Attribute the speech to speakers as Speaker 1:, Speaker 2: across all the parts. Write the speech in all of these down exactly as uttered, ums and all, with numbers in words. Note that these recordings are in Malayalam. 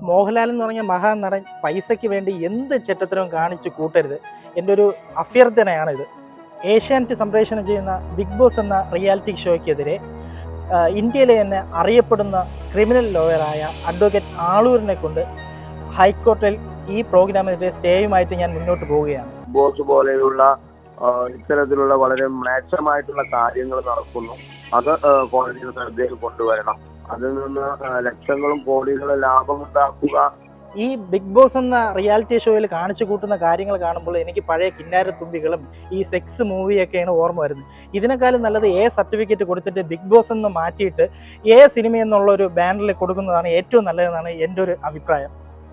Speaker 1: മോഹൻലാൽ എന്ന് പറഞ്ഞ മഹാനടൻ പൈസയ്ക്ക് വേണ്ടി എന്ത് ചെറ്റത്തരവും കാണിച്ച് കൂട്ടരുത്. എൻ്റെ ഒരു അഭ്യർത്ഥനയാണിത്. ഏഷ്യാനെറ്റ് സംപ്രേഷണം ചെയ്യുന്ന ബിഗ് ബോസ് എന്ന റിയാലിറ്റി ഷോയ്ക്കെതിരെ ഇന്ത്യയിലെ തന്നെ അറിയപ്പെടുന്ന ക്രിമിനൽ ലോയറായ അഡ്വക്കേറ്റ് ആളൂരിനെ കൊണ്ട് ഹൈക്കോടതിയിൽ ഈ പ്രോഗ്രാമിനെതിരെ സ്റ്റേയുമായിട്ട് ഞാൻ മുന്നോട്ട് പോവുകയാണ്.
Speaker 2: ബോസ് പോലെയുള്ള ഇത്തരത്തിലുള്ള വളരെ മ്ലേച്ഛമായിട്ടുള്ള കാര്യങ്ങൾ നടക്കുന്നു. അത് കോടതിയുടെ ശ്രദ്ധയിൽ കൊണ്ടുവരണം. അതിൽ നിന്ന് ലക്ഷങ്ങളും കോടികളും ലാഭമുണ്ടാക്കുക.
Speaker 1: ഈ ബിഗ് ബോസ് എന്ന റിയാലിറ്റി ഷോയിൽ കാണിച്ചു കൂട്ടുന്ന കാര്യങ്ങൾ കാണുമ്പോൾ എനിക്ക് പഴയ കിന്നാരത്തുമ്പികളും ഈ സെക്സ് മൂവിയൊക്കെയാണ് ഓർമ്മ വരുന്നത്. ഇതിനേക്കാളും നല്ലത് എ സർട്ടിഫിക്കറ്റ് കൊടുത്തിട്ട് ബിഗ് ബോസ് എന്ന് മാറ്റിയിട്ട് എ സിനിമ എന്നുള്ള ഒരു ബാനറിൽ കൊടുക്കുന്നതാണ് ഏറ്റവും നല്ലതെന്നാണ് എൻ്റെ ഒരു അഭിപ്രായം.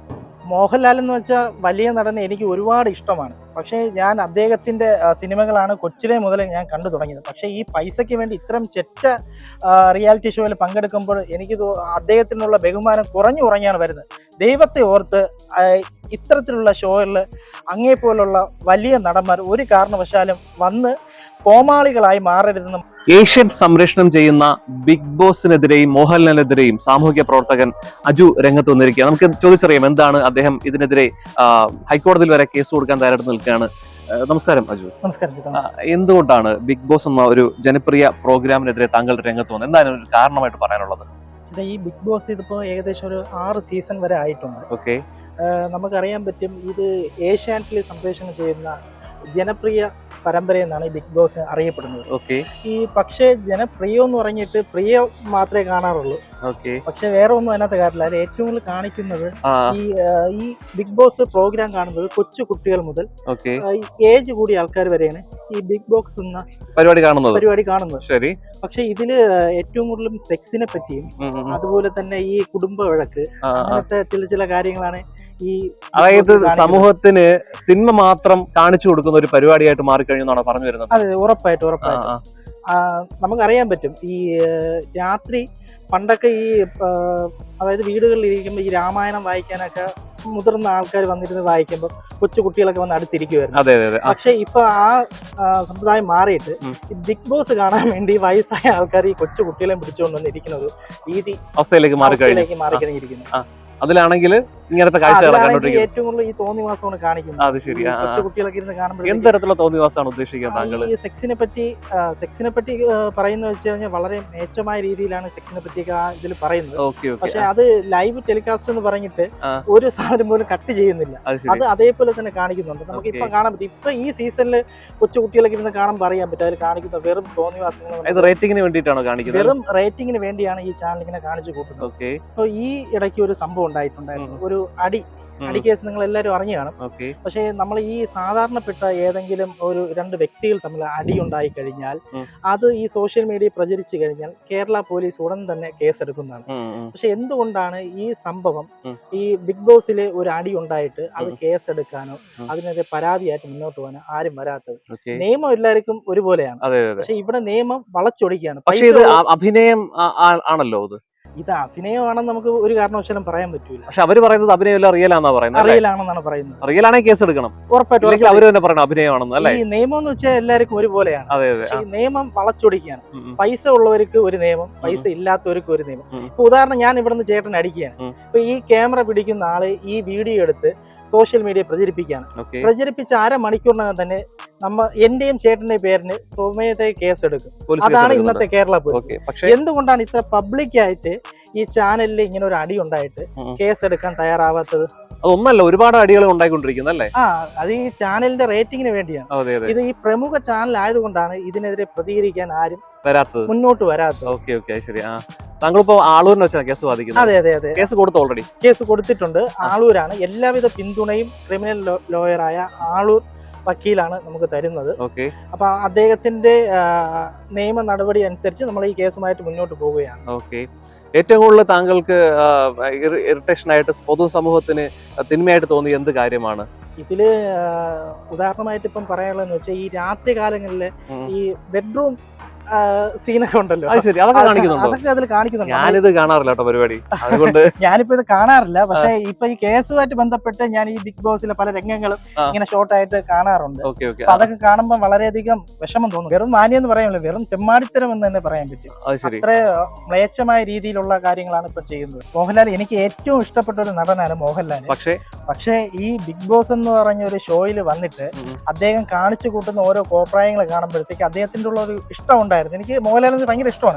Speaker 1: മോഹൻലാൽ എന്ന് വെച്ചാൽ വലിയ നടനെ എനിക്ക് ഒരുപാട് ഇഷ്ടമാണ്. പക്ഷേ ഞാൻ അദ്ദേഹത്തിൻ്റെ സിനിമകളാണ് കൊച്ചിലെ മുതൽ ഞാൻ കണ്ടു തുടങ്ങിയത്. പക്ഷേ ഈ പൈസയ്ക്ക് വേണ്ടി ഇത്തരം ചെറ്റ റിയാലിറ്റി ഷോയിൽ പങ്കെടുക്കുമ്പോൾ എനിക്ക് അദ്ദേഹത്തിനുള്ള ബഹുമാനം കുറഞ്ഞു കുറഞ്ഞാണ് വരുന്നത്. ദൈവത്തെ ഓർത്ത് ഇത്തരത്തിലുള്ള ഷോയിൽ അങ്ങേപ്പോലുള്ള വലിയ നടന്മാർ ഒരു കാരണവശാലും വന്ന് കോമാളികളായി മാറരുതെന്നും.
Speaker 3: ഏഷ്യാനെറ്റ് സംപ്രേഷണം ചെയ്യുന്ന ബിഗ് ബോസിനെതിരെയും മോഹൻലാലിനെതിരെയും സാമൂഹിക പ്രവർത്തകൻ അജു രംഗത്ത് വന്നിരിക്കുക. നമുക്ക് ചോദിച്ചറിയാം എന്താണ് അദ്ദേഹം ഇതിനെതിരെ ഹൈക്കോടതിയിൽ വരെ കേസ് കൊടുക്കാൻ തയ്യാറെടുത്ത് നിൽക്കുകയാണ്. നമസ്കാരം അജു.
Speaker 1: നമസ്കാരം.
Speaker 3: എന്തുകൊണ്ടാണ് ബിഗ് ബോസ് എന്ന ഒരു ജനപ്രിയ പ്രോഗ്രാമിനെതിരെ താങ്കൾ രംഗത്ത് വന്നത്? എന്താണ് ഒരു കാരണമായിട്ട് പറയാനുള്ളത്?
Speaker 1: ഈ ബിഗ് ബോസ് ഇതിപ്പോ ഏകദേശം ഒരു ആറ് സീസൺ വരെ ആയിട്ടുണ്ട്.
Speaker 3: ഓക്കെ,
Speaker 1: നമുക്കറിയാൻ പറ്റും ഇത് ഏഷ്യാനെറ്റിൽ സംപ്രേഷണം ചെയ്യുന്ന ജനപ്രിയ പരമ്പര എന്നാണ് ഈ ബിഗ് ബോസ് അറിയപ്പെടുന്നത്.
Speaker 3: ഓക്കെ,
Speaker 1: ഈ പക്ഷേ ജനപ്രിയം എന്ന് പറഞ്ഞിട്ട് പ്രിയ മാത്രമേ കാണാറുള്ളൂ.
Speaker 3: ഓക്കെ,
Speaker 1: പക്ഷെ വേറെ ഒന്നും അതിനകത്ത് കാര്യമില്ല. അതിൽ ഏറ്റവും കൂടുതൽ കാണിക്കുന്നത് ഈ ഈ ബിഗ് ബോസ് പ്രോഗ്രാം കാണുന്നത് കൊച്ചു കുട്ടികൾ മുതൽ ഏജ് കൂടിയ ആൾക്കാർ വരെയാണ് ഈ ബിഗ് ബോക്സ് എന്ന
Speaker 3: പരിപാടി കാണുന്നത്
Speaker 1: പരിപാടി കാണുന്നത്
Speaker 3: ശരി.
Speaker 1: പക്ഷെ ഇതില് ഏറ്റവും കൂടുതലും സെക്സിനെ പറ്റിയും അതുപോലെ തന്നെ ഈ കുടുംബ വഴക്ക് അങ്ങനത്തെ ചില ചില കാര്യങ്ങളാണ് ഈ
Speaker 3: അതായത് സമൂഹത്തിന് തിന്മ മാത്രം കാണിച്ചു കൊടുക്കുന്ന ഒരു പരിപാടിയായിട്ട് മാറിക്കഴിഞ്ഞാണ് പറഞ്ഞു വരുന്നത്.
Speaker 1: അതെ, ഉറപ്പായിട്ടും ഉറപ്പായിട്ടും നമുക്കറിയാൻ പറ്റും. ഈ രാത്രി പണ്ടൊക്കെ ഈ അതായത് വീടുകളിൽ ഇരിക്കുമ്പോൾ ഈ രാമായണം വായിക്കാനൊക്കെ മുതിർന്ന ആൾക്കാർ വന്നിരുന്ന് വായിക്കുമ്പോൾ കൊച്ചു കുട്ടികളൊക്കെ വന്ന് അടുത്തിരിക്കുമായിരുന്നു. പക്ഷെ ഇപ്പൊ ആ സമ്പ്രദായം മാറിയിട്ട് ബിഗ് ബോസ് കാണാൻ വേണ്ടി വയസ്സായ ആൾക്കാർ ഈ കൊച്ചു കുട്ടികളെ പിടിച്ചുകൊണ്ട് വന്നിരിക്കുന്ന ഒരു രീതി
Speaker 3: അവസ്ഥയിലേക്ക്
Speaker 1: മാറിക്കഴിഞ്ഞിരിക്കുന്നു. മാറിക്കഴിഞ്ഞിരിക്കുന്നു
Speaker 3: അതിലാണെങ്കിൽ ഇങ്ങനത്തെ കാഴ്ചകളൊക്കെ
Speaker 1: ഏറ്റവും കൂടുതൽ ഈ തോന്നിവാസമാണ് കാണിക്കുന്നത്.
Speaker 3: അത് ശരി.
Speaker 1: കുട്ടികളൊക്കെ ഇരുന്ന് കാണുമ്പോൾ
Speaker 3: എന്ത് തരത്തിലുള്ള തോന്നിവാസമാണ് ഉദ്ദേശിക്കുന്നത് താങ്കൾ?
Speaker 1: ഈ സെക്സിനെ പറ്റി സെക്സിനെ പറ്റി പറയുന്നത് വെച്ച് കഴിഞ്ഞാൽ വളരെ മേച്ചമായ രീതിയിലാണ് സെക്സിനെ പറ്റിയൊക്കെ ആ ഇതിൽ പറയുന്നത്. പക്ഷെ അത് ലൈവ് ടെലികാസ്റ്റ് എന്ന് പറഞ്ഞിട്ട് ഒരു സാധനം പോലും കട്ട് ചെയ്യുന്നില്ല. അത് അതേപോലെ തന്നെ കാണിക്കുന്നുണ്ട്. നമുക്ക് ഇപ്പൊ കാണാൻ പറ്റും. ഇപ്പൊ ഈ സീസണിൽ കൊച്ചു കുട്ടികളൊക്കെ ഇരുന്ന് കാണുമ്പോൾ അറിയാൻ പറ്റും അതിൽ കാണിക്കുന്ന വെറും തോന്നിവാസങ്ങൾ
Speaker 3: റേറ്റിംഗിന് വേണ്ടിയിട്ടാണ് കാണിക്കുന്നത്.
Speaker 1: വെറും റേറ്റിംഗിന് വേണ്ടിയാണ് ഈ ചാനൽ ഇങ്ങനെ കാണിച്ചു കൂട്ടുന്നത്. അപ്പൊ ഈ ഇടയ്ക്ക് ഒരു സംഭവം ഉണ്ടായിട്ടുണ്ടായിരുന്നു. ഒരു അടി അടി കേസ് നിങ്ങൾ എല്ലാവരും അറിഞ്ഞു കാണും. പക്ഷേ നമ്മൾ ഈ സാധാരണപ്പെട്ട ഏതെങ്കിലും ഒരു രണ്ട് വ്യക്തികൾ തമ്മിൽ അടി ഉണ്ടായി കഴിഞ്ഞാൽ അത് ഈ സോഷ്യൽ മീഡിയ പ്രചരിച്ചു കഴിഞ്ഞാൽ കേരള പോലീസ് ഉടൻ തന്നെ കേസെടുക്കുന്നതാണ്. പക്ഷെ എന്തുകൊണ്ടാണ് ഈ സംഭവം ഈ ബിഗ് ബോസില് ഒരു അടി ഉണ്ടായിട്ട് അത് കേസെടുക്കാനോ അതിനെതിരെ പരാതിയായിട്ട് മുന്നോട്ട് പോകാനോ ആരും വരാത്തത്? നിയമം എല്ലാവർക്കും ഒരുപോലെയാണ്. പക്ഷെ ഇവിടെ നിയമം വളച്ചൊടിക്കുകയാണ്.
Speaker 3: പക്ഷേ ഇത് അഭിനയം ആണല്ലോ. അത്
Speaker 1: ഇത് അഭിനയമാണെന്ന് നമുക്ക് ഒരു കാരണവശാലും പറയാൻ പറ്റൂല.
Speaker 3: പക്ഷെ അവര് പറയുന്നത് അഭിനയമല്ല, റിയൽ ആണെന്നാ പറയുന്നത്.
Speaker 1: റിയൽ ആണെന്നാണ് പറയുന്നത്.
Speaker 3: റിയൽ ആണെങ്കിൽ കേസ് എടുക്കണം ഉറപ്പായിട്ടും. അവര് തന്നെ പറയണം അഭിനയമാണെന്ന് അല്ലേ? ഈ
Speaker 1: നിയമം എന്ന് വെച്ചാൽ എല്ലാവർക്കും ഒരുപോലെയാണ്. ഈ നിയമം വളച്ചൊടിക്കുകയാണ്. പൈസ ഉള്ളവർക്ക് ഒരു നിയമം, പൈസ ഇല്ലാത്തവർക്ക് ഒരു നിയമം. ഇപ്പൊ ഉദാഹരണം, ഞാൻ ഇവിടെ നിന്ന് ചേട്ടൻ അടിക്കുകയാണ്. ഇപ്പൊ ഈ ക്യാമറ പിടിക്കുന്ന ആള് ഈ വീഡിയോ എടുത്ത് സോഷ്യൽ മീഡിയ പ്രചരിപ്പിക്കുകയാണ്. പ്രചരിപ്പിച്ച അരമണിക്കൂറിനകം തന്നെ നമ്മ എന്റെയും ചേട്ടന്റെയും പേരിന് സ്വമേധയാ കേസ് എടുക്കും. അതാണ് ഇന്നത്തെ കേരള പോലീസ്. എന്തുകൊണ്ടാണ് ഇത്ര പബ്ലിക്കായിട്ട് ഈ ചാനലിൽ ഇങ്ങനെ ഒരു അടി ഉണ്ടായിട്ട് കേസ് എടുക്കാൻ തയ്യാറാവാത്തത്?
Speaker 3: അതൊന്നല്ല, ഒരുപാട് അടികൾ ഉണ്ടായിക്കൊണ്ടിരിക്കുന്നല്ലേ?
Speaker 1: ആ, അത് ഈ ചാനലിന്റെ റേറ്റിംഗിന് വേണ്ടിയാണ്. ഇത് ഈ പ്രമുഖ ചാനൽ ആയതുകൊണ്ടാണ് ഇതിനെതിരെ പ്രതികരിക്കാൻ ആരും
Speaker 3: വരാത്തത്, മുന്നോട്ട്
Speaker 1: വരാത്തത്.
Speaker 3: ഓക്കെ ഓക്കെ ശരി. ആ, താങ്കളിപ്പോ ആളൂരിനെ വെച്ചാണ് കേസ് വാദിക്കുന്നത്?
Speaker 1: അതെ അതെ അതെ,
Speaker 3: കേസ് കൊടുത്തു. ഓൾറെഡി കേസ്
Speaker 1: കൊടുത്തിട്ടുണ്ട്. ആളൂരാണ് എല്ലാവിധ പിന്തുണയും ക്രിമിനൽ ലോയറായ ആളൂർ വക്കീലാണ് നമുക്ക് തരുന്നത്. അപ്പൊ അദ്ദേഹത്തിന്റെ നിയമ നടപടി അനുസരിച്ച് നമ്മൾ ഈ കേസുമായിട്ട് മുന്നോട്ട് പോവുകയാണ്.
Speaker 3: ഓക്കെ, ഏറ്റവും കൂടുതൽ താങ്കൾക്ക് ഇറിറ്റേഷൻ ആയിട്ട് പൊതുസമൂഹത്തിന് തിന്മയായിട്ട് തോന്നിയ എന്ത് കാര്യമാണ്
Speaker 1: ഇതില്? ഉദാഹരണമായിട്ട് ഇപ്പം പറയാനുള്ളതെന്ന് വെച്ചാൽ ഈ രാത്രി കാലങ്ങളില് ഈ ബെഡ്റൂം സീനൊക്കെ ഉണ്ടല്ലോ,
Speaker 3: അത് ശരി, അതൊക്കെ കാണിക്കുന്നുണ്ടോ?
Speaker 1: അതൊക്കെ അതിൽ കാണിക്കുന്നുണ്ട്.
Speaker 3: ഞാനിത് കാണാറില്ല കേട്ടോ പരിപാടി, അതുകൊണ്ട്
Speaker 1: ഞാനിപ്പോ ഇത് കാണാറില്ല. പക്ഷെ ഇപ്പൊ ഈ കേസുമായിട്ട് ബന്ധപ്പെട്ട് ഞാൻ ഈ ബിഗ് ബോസിലെ പല രംഗങ്ങളും ഇങ്ങനെ ഷോർട്ട് ആയിട്ട് കാണാറുണ്ട്.
Speaker 3: Okay okay.
Speaker 1: അപ്പൊ അതൊക്കെ കാണുമ്പോൾ വളരെയധികം വിഷമം തോന്നും. വെറും മാന്യെന്ന് പറയാമല്ലോ, വെറും തെമ്മാടിത്തരം എന്ന് തന്നെ പറയാൻ പറ്റും. അത്ര മ്ലേച്ഛമായ രീതിയിലുള്ള കാര്യങ്ങളാണ് ഇപ്പൊ ചെയ്യുന്നത്. മോഹൻലാൽ എനിക്ക് ഏറ്റവും ഇഷ്ടപ്പെട്ട ഒരു നടനാണ് മോഹൻലാൽ.
Speaker 3: പക്ഷേ
Speaker 1: പക്ഷേ ഈ ബിഗ് ബോസ് എന്ന് പറഞ്ഞ ഒരു ഷോയിൽ വന്നിട്ട് അദ്ദേഹം കാണിച്ചു കൂട്ടുന്ന ഓരോ കോപ്രായങ്ങൾ കാണുമ്പോഴത്തേക്ക് അദ്ദേഹത്തിന്റെ ഉള്ള ഒരു ഇഷ്ടം ഉണ്ടായിരുന്നു. എനിക്ക് മോഹൻലാലിന് ഭയങ്കര ഇഷ്ടമാണ്.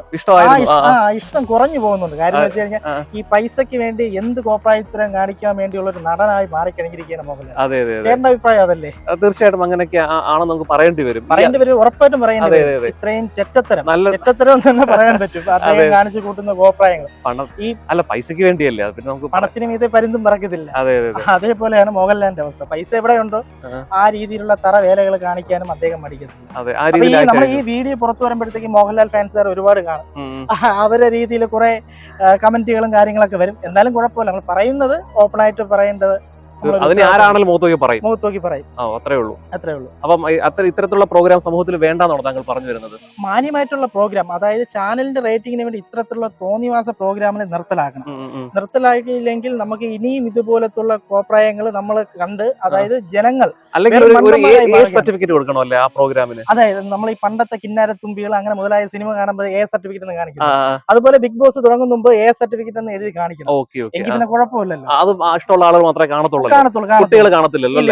Speaker 1: ആ ഇഷ്ടം കുറഞ്ഞു പോകുന്നുണ്ട്. കാര്യം എന്ന് വെച്ച് കഴിഞ്ഞാൽ ഈ പൈസക്ക് വേണ്ടി എന്ത് കോപ്രായത്തരം കാണിക്കാൻ വേണ്ടിയുള്ള ഒരു നടനായി മാറിക്കഴിഞ്ഞിരിക്കുകയാണ് മോഹൻലാൽ. ചേട്ടന്റെ അഭിപ്രായം അതല്ലേ?
Speaker 3: തീർച്ചയായിട്ടും അങ്ങനെയൊക്കെ ആണെന്ന് നമുക്ക് പറയേണ്ടി വരും.
Speaker 1: പറയേണ്ടി വരും, ഉറപ്പായിട്ടും പറയേണ്ടി വരും. ഇത്രയും ചെറ്റത്തരം ചെറ്റത്തരം തന്നെ പറയാൻ പറ്റും അദ്ദേഹം കാണിച്ചു കൂട്ടുന്ന കോപ്രായങ്ങൾ.
Speaker 3: ഈ അല്ല പൈസക്ക് വേണ്ടിയല്ലേ, പിന്നെ നമുക്ക്
Speaker 1: പണത്തിന് മീതെ പരുന്തും പറക്കത്തില്ല. അതേപോലെയാണ് മോഹൻലാലിന്റെ അവസ്ഥ. പൈസ എവിടെയുണ്ടോ ആ രീതിയിലുള്ള തറ വേലകൾ കാണിക്കാനും അദ്ദേഹം മടിക്കത്തില്ല. നമ്മൾ ഈ വീഡിയോ പുറത്തു വരുമ്പോഴത്തേക്ക് മോഹൻലാൽ ഫാൻസുകാർ ഒരുപാട് കാണും. അവരുടെ രീതിയിൽ കുറെ കമന്റുകളും കാര്യങ്ങളൊക്കെ വരും. എന്നാലും കുഴപ്പമില്ല, നമ്മൾ പറയുന്നത് ഓപ്പൺ ആയിട്ട് പറയേണ്ടത്
Speaker 3: അതിന് ആരാണെങ്കിലും മുഖത്തോക്കി പറയും
Speaker 1: മുഖത്തോക്കി പറയും
Speaker 3: അത്രേ ഉള്ളൂ
Speaker 1: അത്രേ ഉള്ളൂ.
Speaker 3: അപ്പം അത്ര ഇത്തരത്തിലുള്ള പ്രോഗ്രാം സമൂഹത്തിൽ വേണ്ടെന്നാണോ താങ്കൾ പറഞ്ഞു വരുന്നത്?
Speaker 1: മാന്യമായിട്ടുള്ള പ്രോഗ്രാം, അതായത് ചാനലിന്റെ റേറ്റിംഗിന് വേണ്ടി ഇത്തരത്തിലുള്ള തോന്നിവാസ പ്രോഗ്രാമിനെ നിർത്തലാക്കണം. നിർത്തലാക്കിയില്ലെങ്കിൽ നമുക്ക് ഇനിയും ഇതുപോലത്തുള്ള കോപ്രായങ്ങൾ നമ്മൾ കണ്ട്, അതായത് ജനങ്ങൾ
Speaker 3: സർട്ടിഫിക്കറ്റ് കൊടുക്കണമല്ലേ ആ പ്രോഗ്രാമിന്.
Speaker 1: അതായത് നമ്മൾ ഈ പണ്ടത്തെ കിന്നാരത്തുമ്പികൾ അങ്ങനെ മുതലായ സിനിമ കാണുമ്പോൾ എ സർട്ടിഫിക്കറ്റ് എന്ന് കാണിക്കണം. അതുപോലെ ബിഗ് ബോസ് തുടങ്ങുന്ന മുമ്പ് എ സർട്ടിഫിക്കറ്റ് എന്ന് എഴുതി കാണിക്കണം. എങ്കിൽ പിന്നെ കുഴപ്പമില്ലല്ലോ.
Speaker 3: അത് ഇഷ്ടമുള്ള ആളുകൾ മാത്രമേ കാണത്തുള്ളൂ, കുട്ടികൾ കാണത്തില്ലല്ലോ.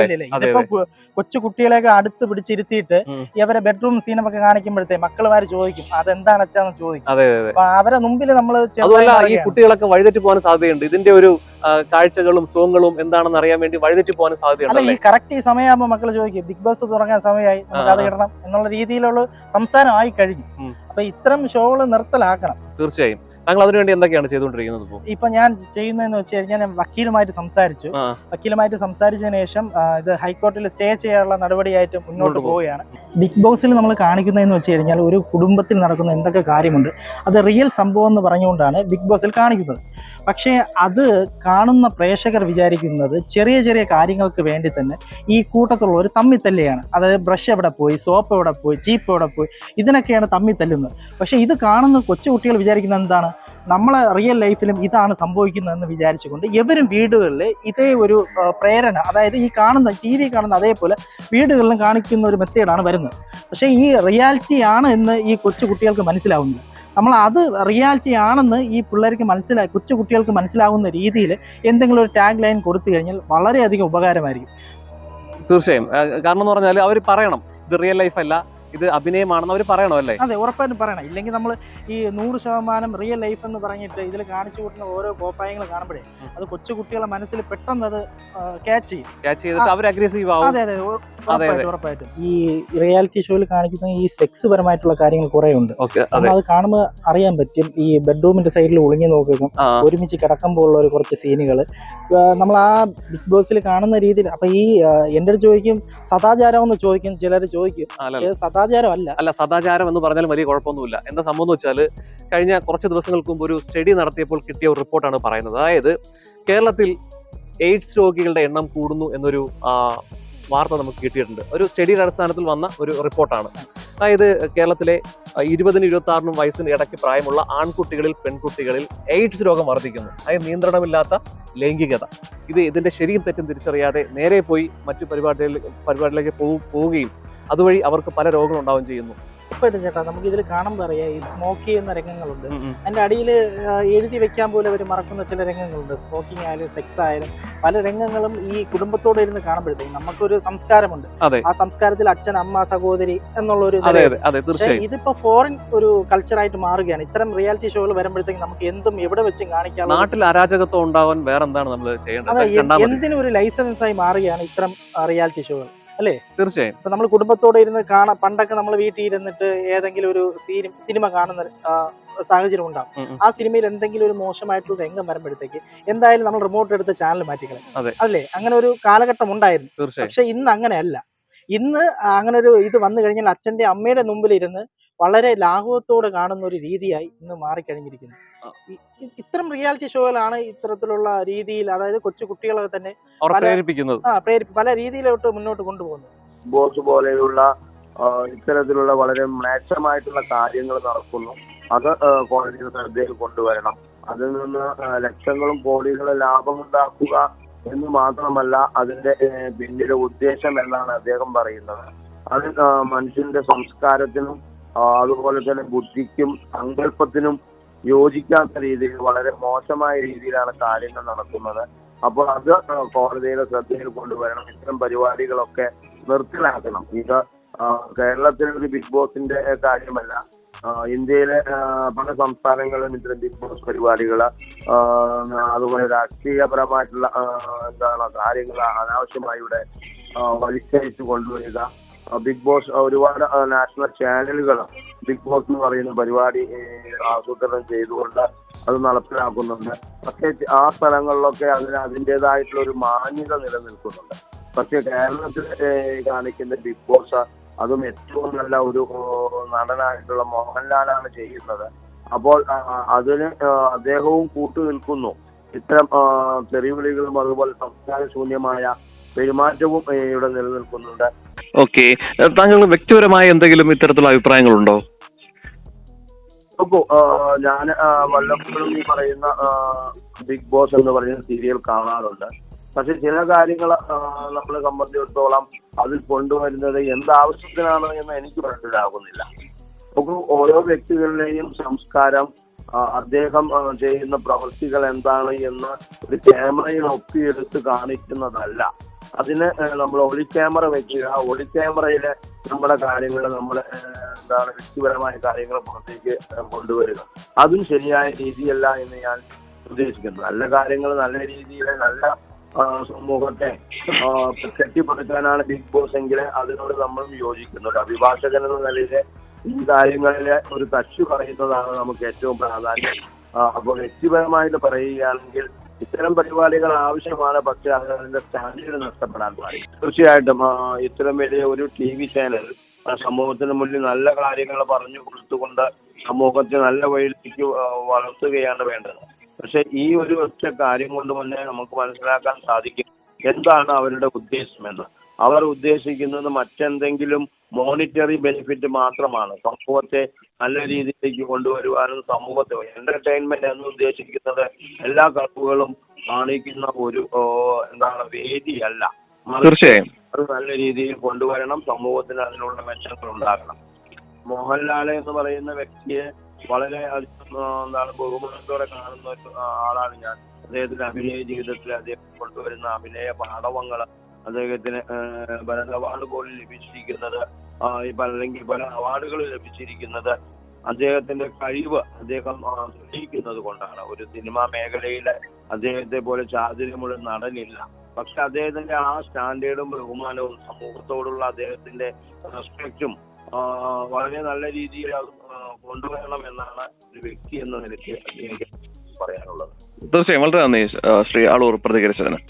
Speaker 1: കൊച്ചു കുട്ടികളെയൊക്കെ അടുത്ത് പിടിച്ചിരുത്തിയിട്ട് ഇവരെ ബെഡ്റൂം സീനൊക്കെ കാണിക്കുമ്പോഴത്തേ മക്കളുമാര് ചോദിക്കും അതെന്താണ് അച്ഛാന്ന് ചോദിക്കും. അവരെ മുമ്പിൽ നമ്മൾ
Speaker 3: ഈ കുട്ടികളൊക്കെ വഴിതെറ്റി പോകാൻ സാധ്യതയുണ്ട്. ഇതിന്റെ ഒരു കാഴ്ചകളും സുഖങ്ങളും എന്താണെന്ന് അറിയാൻ വേണ്ടി വഴിതെറ്റി പോകാൻ സാധ്യതയുണ്ട്.
Speaker 1: ഈ കറക്റ്റ് ഈ സമയമാകുമ്പോൾ മക്കൾ ചോദിക്കും ബിഗ് ബോസ് തുടങ്ങാൻ സമയമായി, നമുക്ക് അത് ഇടണം എന്നുള്ള രീതിയിലുള്ള സംസാരമായി കഴിഞ്ഞു. അപ്പൊ ഇത്തരം ഷോകൾ നിർത്തലാക്കണം.
Speaker 3: തീർച്ചയായും. താങ്കൾ അതിനുവേണ്ടി എന്തൊക്കെയാണ് ചെയ്തുകൊണ്ടിരിക്കുന്നത്?
Speaker 1: ഇപ്പൊ ഞാൻ ചെയ്യുന്നതെന്ന് വെച്ച് കഴിഞ്ഞാൽ ഞാൻ വക്കീലുമായിട്ട് സംസാരിച്ചു. വക്കീലുമായിട്ട് സംസാരിച്ചതിന് ശേഷം ഇത് ഹൈക്കോടതിയിൽ സ്റ്റേ ചെയ്യാനുള്ള നടപടിയായിട്ട് മുന്നോട്ട് പോവുകയാണ്. ബിഗ് ബോസിൽ നമ്മൾ കാണിക്കുന്നതെന്ന് വെച്ച് കഴിഞ്ഞാൽ ഒരു കുടുംബത്തിൽ നടക്കുന്ന എന്തൊക്കെ കാര്യമുണ്ട് അത് റിയൽ സംഭവം എന്ന് പറഞ്ഞുകൊണ്ടാണ് ബിഗ് ബോസിൽ കാണിക്കുന്നത്. പക്ഷേ അത് കാണുന്ന പ്രേക്ഷകർ വിചാരിക്കുന്നത് ചെറിയ ചെറിയ കാര്യങ്ങൾക്ക് വേണ്ടി തന്നെ ഈ കൂട്ടത്തിലുള്ളവർ തമ്മിൽ തല്ലുകയാണ്. അതായത് ബ്രഷ് എവിടെ പോയി, സോപ്പ് എവിടെ പോയി, ചീപ്പ് എവിടെ പോയി, ഇതിനൊക്കെയാണ് തമ്മിൽ തല്ലുന്നത്. പക്ഷേ ഇത് കാണുന്ന കൊച്ചു കുട്ടികൾ വിചാരിക്കുന്നത് എന്താണ്, നമ്മളെ റിയൽ ലൈഫിലും ഇതാണ് സംഭവിക്കുന്നതെന്ന് വിചാരിച്ചുകൊണ്ട് ഇവരും വീടുകളിൽ ഇതേ ഒരു പ്രേരണ, അതായത് ഈ കാണുന്ന ടി വി കാണുന്ന അതേപോലെ വീടുകളിലും കാണിക്കുന്ന ഒരു മെത്തേഡാണ് വരുന്നത്. പക്ഷേ ഈ റിയാലിറ്റി ആണ് എന്ന് ഈ കൊച്ചു കുട്ടികൾക്ക് മനസ്സിലാവുന്നില്ല. നമ്മൾ അത് റിയാലിറ്റി ആണെന്ന് ഈ പിള്ളേർക്ക് മനസ്സിലായി കൊച്ചു കുട്ടികൾക്ക് മനസ്സിലാവുന്ന രീതിയിൽ എന്തെങ്കിലും ഒരു ടാഗ് ലൈൻ കൊടുത്തു കഴിഞ്ഞാൽ വളരെയധികം ഉപകാരമായിരിക്കും.
Speaker 3: തീർച്ചയായും. കാരണം എന്ന് പറഞ്ഞാൽ അവർ പറയണം ഇത് റിയൽ ലൈഫ് അല്ല, ഇത് അഭിനയമാണെന്ന് അവർ പറയണോ അല്ലേ?
Speaker 1: അതെ, ഉറപ്പായിട്ടും പറയണം. ഇല്ലെങ്കിൽ നമ്മൾ ഈ നൂറ് ശതമാനം റിയൽ ലൈഫ് എന്ന് പറഞ്ഞിട്ട് ഇതിൽ കാണിച്ചു കൂട്ടുന്ന ഓരോ കോപ്രായങ്ങൾ കാണുമ്പോഴേ അത് കൊച്ചു കുട്ടികളെ മനസ്സിൽ പെട്ടെന്ന് അത് ക്യാച്ച് ചെയ്യും.
Speaker 3: ക്യാച്ച് ചെയ്തിട്ട് അവർ അഗ്രസീവ് ആവും.
Speaker 1: അതെ അതെ ഉറപ്പായിട്ടും ഉറപ്പായിട്ടും. ഈ റിയാലിറ്റി ഷോയിൽ കാണിക്കുന്ന ഈ സെക്സ് പരമായിട്ടുള്ള കാര്യങ്ങൾ കുറെ ഉണ്ട്. അത് കാണുമ്പോൾ അറിയാൻ പറ്റും. ഈ ബെഡ്റൂമിന്റെ സൈഡിൽ ഒളിഞ്ഞു നോക്കും, ഒരുമിച്ച് കിടക്കുമ്പോൾ ഉള്ള ഒരു കുറച്ച് സീനുകൾ നമ്മൾ ആ ബിഗ് ബോസിൽ കാണുന്ന രീതിയിൽ. അപ്പൊ ഈ എന്റെ അടുത്ത് ചോദിക്കും സദാചാരം എന്ന് ചോദിക്കും, ചിലർ ചോദിക്കും. സദാചാരം അല്ല
Speaker 3: അല്ല സദാചാരം എന്ന് പറഞ്ഞാൽ വലിയ കുഴപ്പമൊന്നുമില്ല. എന്താ സംഭവം എന്ന് വെച്ചാൽ കഴിഞ്ഞ കുറച്ച് ദിവസങ്ങൾക്ക് മുമ്പ് ഒരു സ്റ്റഡി നടത്തിയപ്പോൾ കിട്ടിയ ഒരു റിപ്പോർട്ടാണ് പറയുന്നത്. അതായത് കേരളത്തിൽ എയ്ഡ്സ് രോഗികളുടെ എണ്ണം കൂടുന്നു എന്നൊരു വാർത്ത നമുക്ക് കിട്ടിയിട്ടുണ്ട്. ഒരു സ്റ്റഡിയുടെ അടിസ്ഥാനത്തിൽ വന്ന ഒരു റിപ്പോർട്ടാണ്. അതായത് കേരളത്തിലെ ഇരുപതിനും ഇരുപത്തി ആറിനും വയസ്സിന് ഇടയ്ക്ക് പ്രായമുള്ള ആൺകുട്ടികളിൽ പെൺകുട്ടികളിൽ എയ്ഡ്സ് രോഗം വർദ്ധിക്കുന്നു. അതായത് നിയന്ത്രണമില്ലാത്ത ലൈംഗികത. ഇത് ഇതിന്റെ ശരിയും തെറ്റും തിരിച്ചറിയാതെ നേരെ പോയി മറ്റു പരിപാടികളിൽ പരിപാടിയിലേക്ക് പോവുകയും അതുവഴി അവർക്ക് പല രോഗങ്ങൾ ഉണ്ടാവുകയും ചെയ്യുന്നു.
Speaker 1: ഉറപ്പായിട്ടും ചേട്ടാ, നമുക്ക് ഇതിൽ കാണുമ്പോൾ അറിയാം ഈ സ്മോക്ക് ചെയ്യുന്ന രംഗങ്ങളുണ്ട്. അതിന്റെ അടിയിൽ എഴുതി വെക്കാൻ പോലെ അവർ മറക്കുന്ന ചില രംഗങ്ങളുണ്ട്. സ്മോക്കിംഗ് ആയാലും സെക്സ് ആയാലും പല രംഗങ്ങളും ഈ കുടുംബത്തോടെ ഇരുന്ന് കാണുമ്പോഴത്തേക്കും നമുക്കൊരു സംസ്കാരമുണ്ട്. ആ സംസ്കാരത്തിൽ അച്ഛൻ, അമ്മ, സഹോദരി എന്നുള്ള ഒരു ഇതിപ്പോ ഫോറിൻ ഒരു കൾച്ചറായിട്ട് മാറുകയാണ്. ഇത്തരം റിയാലിറ്റി ഷോകൾ വരുമ്പോഴത്തേക്കും നമുക്ക് എന്തും എവിടെ വെച്ചും കാണിക്കാം.
Speaker 3: നാട്ടിൽ അരാജകത്വം ഉണ്ടാവാൻ വേറെ എന്താണ് നമ്മൾ ചെയ്യേണ്ടത്?
Speaker 1: എന്തിനും ഒരു ലൈസൻസ് ആയി മാറുകയാണ് ഇത്തരം റിയാലിറ്റി ഷോകൾ അല്ലേ?
Speaker 3: തീർച്ചയായും.
Speaker 1: ഇപ്പൊ നമ്മൾ കുടുംബത്തോടെ ഇരുന്ന് കാണാം. പണ്ടൊക്കെ നമ്മൾ വീട്ടിൽ ഇരുന്നിട്ട് ഏതെങ്കിലും ഒരു സിനിമ കാണുന്ന സാഹചര്യം ഉണ്ടാവും. ആ സിനിമയിൽ എന്തെങ്കിലും ഒരു മോശമായിട്ടുള്ള രംഗം വരുമ്പോഴത്തേക്ക് എന്തായാലും നമ്മൾ റിമോട്ട് എടുത്ത് ചാനൽ മാറ്റിക്കളയും അല്ലേ? അങ്ങനെ ഒരു കാലഘട്ടം ഉണ്ടായിരുന്നു. പക്ഷെ ഇന്ന് അങ്ങനെയല്ല. ഇന്ന് അങ്ങനെ ഒരു ഇത് വന്നു കഴിഞ്ഞാൽ അച്ഛന്റെ അമ്മയുടെ മുമ്പിൽ ഇരുന്ന് വളരെ ലാഘവത്തോടെ കാണുന്ന ഒരു രീതിയായി ഇന്ന് മാറിക്കഴിഞ്ഞിരിക്കുന്നു. ഇത്തരം റിയാലിറ്റി ഷോകളാണ് ഇത്തരത്തിലുള്ള രീതിയിൽ, അതായത് കൊച്ചു കുട്ടികളെ തന്നെ
Speaker 3: പ്രേരിപ്പിക്കുന്നത്,
Speaker 1: പല രീതിയിലോട്ട് മുന്നോട്ട് കൊണ്ടുപോകുന്നത്.
Speaker 2: ബോസ് പോലെയുള്ള ആ, ഇത്തരത്തിലുള്ള വളരെ മ്ലേച്ഛമായിട്ടുള്ള കാര്യങ്ങൾ നടക്കുന്നു. അത് ആ, കോടതിയുടെ ശ്രദ്ധയിൽ കൊണ്ടുവരണം. അതിൽ നിന്ന് ആ, ലക്ഷങ്ങളും കോടികളും ലാഭമുണ്ടാക്കുക എന്ന് മാത്രമല്ല അതിന്റെ ഏ, പിന്നിലെ ഉദ്ദേശം എന്നാണ് അദ്ദേഹം പറയുന്നത്. അത് ആ, മനുഷ്യന്റെ സംസ്കാരത്തിനും ആ, അതുപോലെ തന്നെ ബുദ്ധിക്കും സങ്കല്പത്തിനും യോജിക്കാത്ത രീതിയിൽ വളരെ മോശമായ രീതിയിലാണ് കാര്യങ്ങൾ നടക്കുന്നത്. അപ്പോൾ അത് ആ, കോടതിയുടെ ശ്രദ്ധയിൽ കൊണ്ടുവരണം. ഇത്തരം പരിപാടികളൊക്കെ നിർത്തലാക്കണം. ഇത് ആ, കേരളത്തിലെ ഒരു ബിഗ് ബോസിന്റെ കാര്യമല്ല, ആ, ഇന്ത്യയിലെ ആ, പല സംസ്ഥാനങ്ങളിലും ഇത്തരം ബിഗ് ബോസ് പരിപാടികൾ അതുപോലെ രാഷ്ട്രീയപരമായിട്ടുള്ള ആ, എന്താണ് കാര്യങ്ങൾ അനാവശ്യമായി ഇവിടെ ആ, വലിച്ചഴിച്ചു കൊണ്ടുവരിക. ആ, ബിഗ് ബോസ് ഒരുപാട് ആ, നാഷണൽ ചാനലുകൾ ബിഗ് ബോസ് എന്ന് പറയുന്ന പരിപാടി ഏ, ആസൂത്രണം ചെയ്തുകൊണ്ട് അത് നടപ്പിലാക്കുന്നുണ്ട്. പക്ഷേ ആ സ്ഥലങ്ങളിലൊക്കെ അതിന് അതിൻ്റെതായിട്ടുള്ള ഒരു മാന്യത നിലനിൽക്കുന്നുണ്ട്. പക്ഷേ കേരളത്തിൽ ഏ, കാണിക്കുന്ന ബിഗ് ബോസ് അതും ഏറ്റവും നല്ല ഒരു ഓ, നടനായിട്ടുള്ള മോഹൻലാലാണ് ചെയ്യുന്നത്. അപ്പോൾ ആ, അതിന് ആ, അദ്ദേഹവും കൂട്ടു നിൽക്കുന്നു. ഇത്തരം ആ, തെറിവിളികളും അതുപോലെ സംസ്കാര ശൂന്യമായ പെരുമാറ്റവും ഏ, ഇവിടെ നിലനിൽക്കുന്നുണ്ട്.
Speaker 3: ഓക്കെ, താങ്കൾ വ്യക്തിപരമായ എന്തെങ്കിലും ഇത്തരത്തിലുള്ള അഭിപ്രായങ്ങളുണ്ടോ?
Speaker 2: നോക്കൂ, ഞാൻ വല്ലപ്പോഴും ഈ പറയുന്ന ആ, ബിഗ് ബോസ് എന്ന് പറയുന്ന സീരിയൽ കാണാറുണ്ട്. പക്ഷെ ചില കാര്യങ്ങൾ നമ്മളെ സംബന്ധിച്ചിടത്തോളം അതിൽ കൊണ്ടുവരുന്നത് എന്താവശ്യത്തിനാണ് എന്ന് എനിക്ക് മനസ്സിലാകുന്നില്ല. നോക്കൂ, ഓരോ വ്യക്തികളുടെയും സംസ്കാരം, ആ, അദ്ദേഹം ആ, ചെയ്യുന്ന പ്രവൃത്തികൾ എന്താണ് എന്ന് ഒരു ക്യാമറയിൽ ഒപ്പിയെടുത്ത് കാണിക്കുന്നതല്ല. അതിന് നമ്മൾ ഒളി ക്യാമറ വെക്കുക, ഒളി ക്യാമറയിലെ നമ്മുടെ കാര്യങ്ങൾ നമ്മൾ എന്താണ് വ്യക്തിപരമായ കാര്യങ്ങൾ പുറത്തേക്ക് കൊണ്ടുവരിക, അതും ശരിയായ രീതിയല്ല എന്ന് ഞാൻ ഉദ്ദേശിക്കുന്നു. നല്ല കാര്യങ്ങൾ നല്ല രീതിയിൽ നല്ല ആ, സമൂഹത്തെ ആ, കെട്ടിപ്പടുക്കാനാണ് ബിഗ് ബോസ് എങ്കിൽ അതിനോട് നമ്മളും യോജിക്കുന്നു. ഒരു അഭിഭാഷകൻ എന്ന നിലയിൽ ഈ കാര്യങ്ങളിലെ ഒരു തച്ചു പറയുന്നതാണ് നമുക്ക് ഏറ്റവും പ്രാധാന്യം. അപ്പോൾ വ്യക്തിപരമായിട്ട് പറയുകയാണെങ്കിൽ ഇത്തരം പരിപാടികൾ ആവശ്യമാണ്, പക്ഷെ അത് അതിന്റെ സ്റ്റാൻഡേർഡ് നഷ്ടപ്പെടാൻ പാടില്ല. തീർച്ചയായിട്ടും ആ, ഇത്തരം വലിയ ഒരു ടി വി ചാനൽ സമൂഹത്തിന് മുന്നിൽ നല്ല കാര്യങ്ങൾ പറഞ്ഞു കൊടുത്തുകൊണ്ട് സമൂഹത്തെ നല്ല വഴിയിലേക്ക് ആ, വളർത്തുകയാണ് വേണ്ടത്. പക്ഷെ ഈ ഒരു ഒറ്റ കാര്യം കൊണ്ട് തന്നെ നമുക്ക് മനസ്സിലാക്കാൻ സാധിക്കും എന്താണ് അവരുടെ ഉദ്ദേശമെന്ന്. അവർ ഉദ്ദേശിക്കുന്നത് മറ്റെന്തെങ്കിലും മോണിറ്ററി ബെനിഫിറ്റ് മാത്രമാണ്. സമൂഹത്തെ നല്ല രീതിയിലേക്ക് കൊണ്ടുവരുവാനും സമൂഹത്തെ എന്റർടൈൻമെന്റ് എന്ന് ഉദ്ദേശിക്കുന്നത് എല്ലാ കഴിവുകളും കാണിക്കുന്ന ഒരു എന്താണ് വേദിയല്ല.
Speaker 3: തീർച്ചയായും
Speaker 2: അത് നല്ല രീതിയിൽ കൊണ്ടുവരണം. സമൂഹത്തിന് അതിനുള്ള മെച്ചങ്ങൾ ഉണ്ടാകണം. മോഹൻലാൽ എന്ന് പറയുന്ന വ്യക്തിയെ വളരെ എന്താണ് ബഹുമാനത്തോടെ കാണുന്ന ഒരു ആളാണ് ഞാൻ. അദ്ദേഹത്തിന്റെ അഭിനയ ജീവിതത്തിൽ അദ്ദേഹം കൊണ്ടുവരുന്ന അഭിനയ പാഠവങ്ങൾ അദ്ദേഹത്തിന് പല അവാർഡ് പോലും ലഭിച്ചിരിക്കുന്നത്, അല്ലെങ്കിൽ പല അവാർഡുകൾ ലഭിച്ചിരിക്കുന്നത് അദ്ദേഹത്തിന്റെ കഴിവ് അദ്ദേഹം തെളിയിക്കുന്നത് കൊണ്ടാണ്. ഒരു സിനിമാ മേഖലയിലെ അദ്ദേഹത്തെ പോലെ ചാതുര്യമുള്ള നടനില്ല. പക്ഷെ അദ്ദേഹത്തിന്റെ ആ സ്റ്റാൻഡേർഡും ബഹുമാനവും സമൂഹത്തോടുള്ള അദ്ദേഹത്തിന്റെ റെസ്പെക്റ്റും വളരെ നല്ല രീതിയിൽ കൊണ്ടുവരണം എന്നാണ് ഒരു വ്യക്തി എന്ന നിലയ്ക്ക് എനിക്ക് പറയാനുള്ളത്.
Speaker 3: തീർച്ചയായും വളരെ നന്ദി ശ്രീ ആളൂർ പ്രതികരിച്ചതിന്.